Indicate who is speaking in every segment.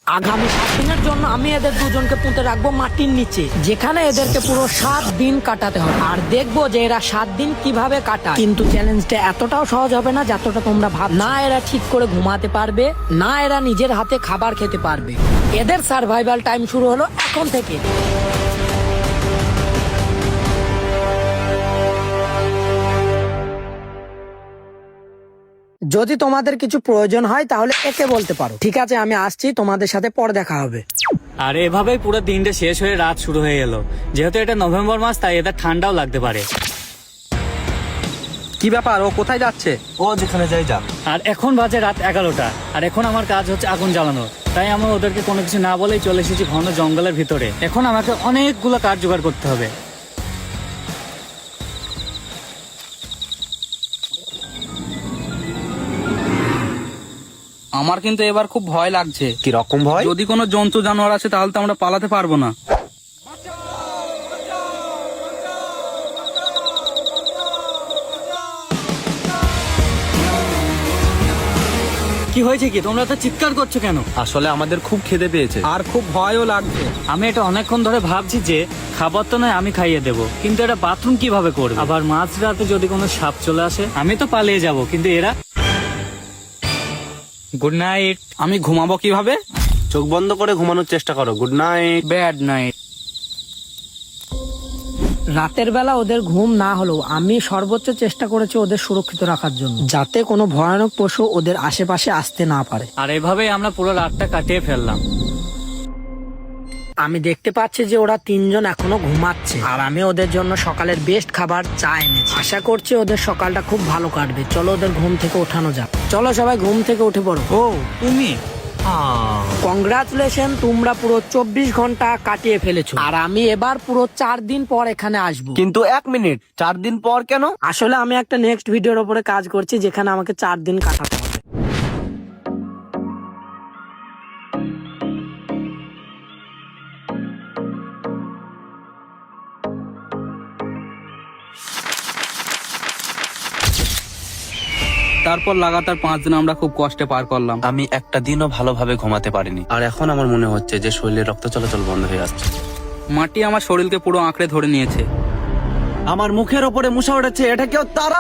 Speaker 1: আগামী 7 দিনের জন্য আমি এদের দুজনকে পুঁতে রাখবো মাটির নিচে, যেখানে এদেরকে পুরো 7 দিন কাটাতে হবে। আর দেখবো যে এরা 7 দিন কিভাবে কাটায়। কিন্তু চ্যালেঞ্জটা এতটাও সহজ হবে না যতটা তোমরা ভাব। না এরা ঠিক করে ঘুমাতে পারবে, না এরা নিজের হাতে খাবার খেতে পারবে। এদের সার্ভাইভাল টাইম শুরু হলো এখন থেকে। যদি তোমাদের কিছু প্রয়োজন হয় তাহলে একে বলতে পারো। ঠিক আছে, আমি আসছি, তোমাদের সাথে পরে দেখা হবে।
Speaker 2: আর এভাবেই পুরো দিনটা শেষ হয়ে রাত শুরু হয়ে গেল। যেহেতু এটা নভেম্বর মাস, তাই এদের ঠান্ডাও লাগতে পারে।
Speaker 3: কি ব্যাপার, ও কোথায় যাচ্ছে?
Speaker 4: ও যেখানে যাই যাক।
Speaker 2: আর এখন বাজে রাত 11টা, আর এখন আমার কাজ হচ্ছে আগুন জ্বালানো। তাই আমি ওদেরকে কোনো কিছু না বলেই চলে এসেছি ঘন জঙ্গলের ভিতরে। এখন আমাকে অনেকগুলো কাঠ জোগাড় করতে হবে।
Speaker 3: আমার কিন্তু এবার খুব ভয় লাগছে।
Speaker 4: কি রকম ভয়?
Speaker 3: যদি কোনো জন্তু জানোয়ার আছে তাহলে তো আমরা পালাতে পারবো না।
Speaker 2: কি হয়েছে কি, তোমরা তো চিৎকার করছো কেন?
Speaker 4: আসলে আমাদের খুব খিদে পেয়েছে।
Speaker 3: আর খুব ভয়ও লাগছে।
Speaker 2: আমি এটা অনেকক্ষণ ধরে ভাবছি যে খাবার তো নয় আমি খাইয়ে দেবো, কিন্তু এটা বাথরুম কিভাবে করবে? আবার মাঝরাতে যদি কোনো সাপ চলে আসে, আমি তো পালিয়ে যাব, কিন্তু এরা। Good night.
Speaker 3: আমি ঘুমাবো কিভাবে?
Speaker 4: চোখ বন্ধ করে ঘুমানোর চেষ্টা করো। Good night.
Speaker 3: Bad night.
Speaker 1: রাতের বেলা ওদের ঘুম না হলেও আমি সর্বোচ্চ চেষ্টা করেছি ওদের সুরক্ষিত রাখার জন্য, যাতে কোনো ভয়ানক পশু ওদের আশেপাশে আসতে না পারে।
Speaker 2: আর এভাবেই আমরা পুরো রাতটা কাটিয়ে ফেললাম।
Speaker 1: আমি দেখতে পাচ্ছি যে ওরা 3 জন এখনো ঘুমাচ্ছে, আর আমি ওদের জন্য সকালের বেস্ট খাবার চা এনেছি। আশা করছি ওদের সকালটা খুব ভালো কাটবে। চলো ওদের ঘুম থেকে ওঠানো যাক। চলো সবাই ঘুম থেকে উঠে পড়ো।
Speaker 2: ও তুমি?
Speaker 1: কংগ্রাচুলেশন, তোমরা পুরো 24 ঘন্টা কাটিয়ে ফেলেছো। আর আমি এবার পুরো 4 দিন পর এখানে আসবো।
Speaker 4: কিন্তু 1 মিনিট, 4 দিন পর কেন?
Speaker 1: আসলে আমি একটা নেক্সট ভিডিওর উপরে কাজ করছি, যেখানে আমাকে 4 দিন কাটাতে হবে।
Speaker 3: তারপর লাগাতার 5 দিন আমরা খুব কষ্টে পার করলাম।
Speaker 4: আমি একটা দিনও ভালোভাবে ঘুমাতে পারিনি। আর এখন আমার মনে হচ্ছে যে শরীরে রক্ত চলাচল বন্ধ হয়ে আসছে।
Speaker 3: মাটি আমার শরীরকে পুরো আঁকড়ে ধরে নিয়েছে।
Speaker 4: আমার মুখের ওপরে মুসা উঠেছে। এটা কেউ তারা?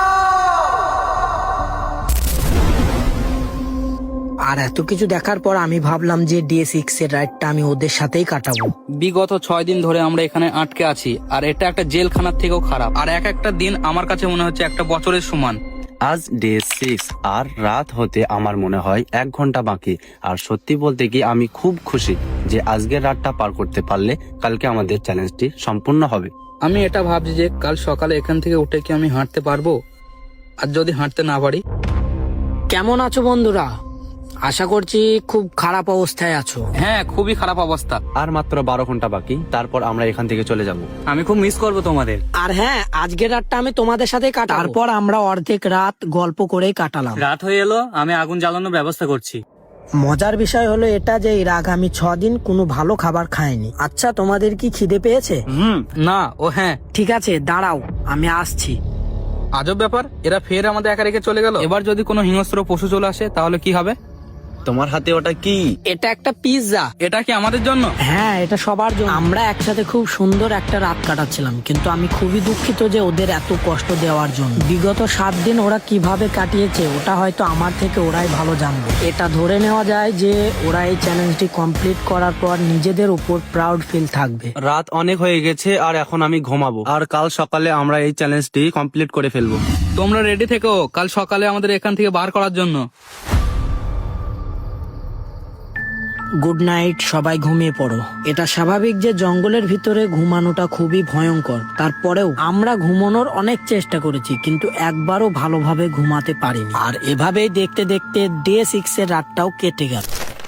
Speaker 1: আর এত কিছু দেখার পর আমি ভাবলাম যে ডে 6 এর রাইডটা আমি ওদের সাথেই কাটাবো।
Speaker 3: বিগত 6 দিন ধরে আমরা এখানে আটকে আছি, আর এটা একটা জেলখানার থেকেও খারাপ। আর এক একটা দিন আমার কাছে মনে হচ্ছে একটা বছরের সমান।
Speaker 4: আজ ডে 6 আর রাত হতে আমার মনে হয় 1 ঘন্টা বাকি। আর সত্যি বলতে কি আমি খুব খুশি যে আজকের রাতটা পার করতে পারলে কালকে আমাদের চ্যালেঞ্জটি সম্পূর্ণ হবে।
Speaker 3: আমি এটা ভাবছি যে কাল সকালে এখান থেকে উঠে কি আমি হাঁটতে পারবো? আর যদি হাঁটতে না পারি?
Speaker 1: কেমন আছো বন্ধুরা? আশা করছি খুব খারাপ অবস্থায় আছো।
Speaker 3: হ্যাঁ, খুবই খারাপ অবস্থা।
Speaker 4: আর মাত্র 12 ঘন্টা বাকি, তারপর আমরা এখান থেকে চলে যাব।
Speaker 2: আমি খুব মিস করবো তোমাদের।
Speaker 1: আর হ্যাঁ, আজকের রাতটা আমি তোমাদের সাথে কাটাবো। তারপর আমরা অর্ধেক রাত গল্প করেই কাটালাম।
Speaker 2: রাত হয়ে এলো, আমি আগুন জ্বালানোর ব্যবস্থা করছি।
Speaker 1: মজার বিষয় হলো এটা যে এর আগামী 6 দিন কোনো ভালো খাবার খায়নি। আচ্ছা, তোমাদের কি খিদে পেয়েছে?
Speaker 3: না, ও হ্যাঁ।
Speaker 1: ঠিক আছে, দাঁড়াও, আমি আসছি।
Speaker 3: আজব ব্যাপার, এরা ফের আমাদের একা রেখে চলে গেল। এবার যদি কোনো হিংস্র পশু চলে আসে তাহলে কি হবে?
Speaker 4: তোমার হাতে ওটা কি?
Speaker 1: এটা একটা পিৎজা।
Speaker 3: এটা কি আমাদের জন্য?
Speaker 1: হ্যাঁ, এটা সবার জন্য। আমরা একসাথে খুব সুন্দর একটা রাত কাটাচ্ছিলাম, কিন্তু আমি খুবই দুঃখিত যে ওদের এত কষ্ট দেওয়ার জন্য। বিগত 7 দিন ওরা কিভাবে কাটিয়েছে ওটা হয়তো আমার থেকে ওরাই ভালো জানবে। এটা ধরে নেওয়া যায় যে ওরা এই চ্যালেঞ্জটি কমপ্লিট করার পর নিজেদের উপর প্রাউড ফিল থাকবে।
Speaker 4: রাত অনেক হয়ে গেছে আর এখন আমি ঘুমাবো। আর কাল সকালে আমরা এই চ্যালেঞ্জটি কমপ্লিট করে ফেলবো।
Speaker 3: তোমরা রেডি থেকো কাল সকালে আমাদের এখান থেকে বার করার জন্য।
Speaker 1: গুড নাইট, সবাই ঘুমিয়ে পড়ো। এটা স্বাভাবিক যে জঙ্গলের ভিতরে ঘুমানোটা খুবই ভয়ঙ্কর। তারপরেও আমরা ঘুমানোর অনেক চেষ্টা করেছি, কিন্তু একবারও ভালোভাবে ঘুমাতে পারিনি। আর এভাবেই দেখতে দেখতে ডে 6 এর রাতটাও কেটে গেল।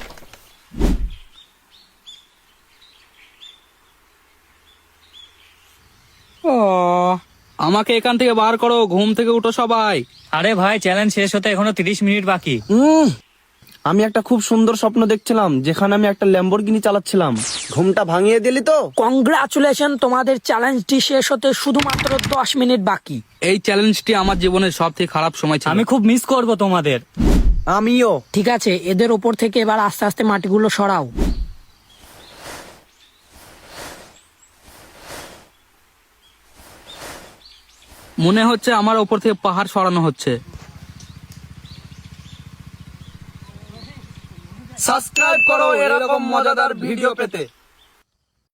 Speaker 3: ও, আমাকে এখান থেকে বার করো, ঘুম থেকে উঠো সবাই।
Speaker 2: আরে ভাই, চ্যালেঞ্জ শেষ হতে এখনো 30 মিনিট বাকি।
Speaker 4: আমি একটা খুব সুন্দর স্বপ্ন দেখছিলাম, যেখানে আমি একটা ল্যাম্বরগিনি চালাচ্ছিলাম। ঘুমটা ভাঙিয়ে দিলি তো।
Speaker 1: কংগ্রাচুলেশন, তোমাদের চ্যালেঞ্জটি শেষ হতে শুধুমাত্র 10 মিনিট বাকি।
Speaker 3: এই চ্যালেঞ্জটি আমার জীবনের সব থেকে খারাপ সময় ছিল।
Speaker 2: আমি খুব মিস করবো তোমাদের।
Speaker 5: আমিও।
Speaker 1: ঠিক আছে, এদের ওপর থেকে এবার আস্তে আস্তে মাটিগুলো সরাও।
Speaker 3: মনে হচ্ছে আমার ওপর থেকে পাহাড় সরানো হচ্ছে।
Speaker 5: সাবস্ক্রাইব করো এরকম মজাদার ভিডিও পেতে।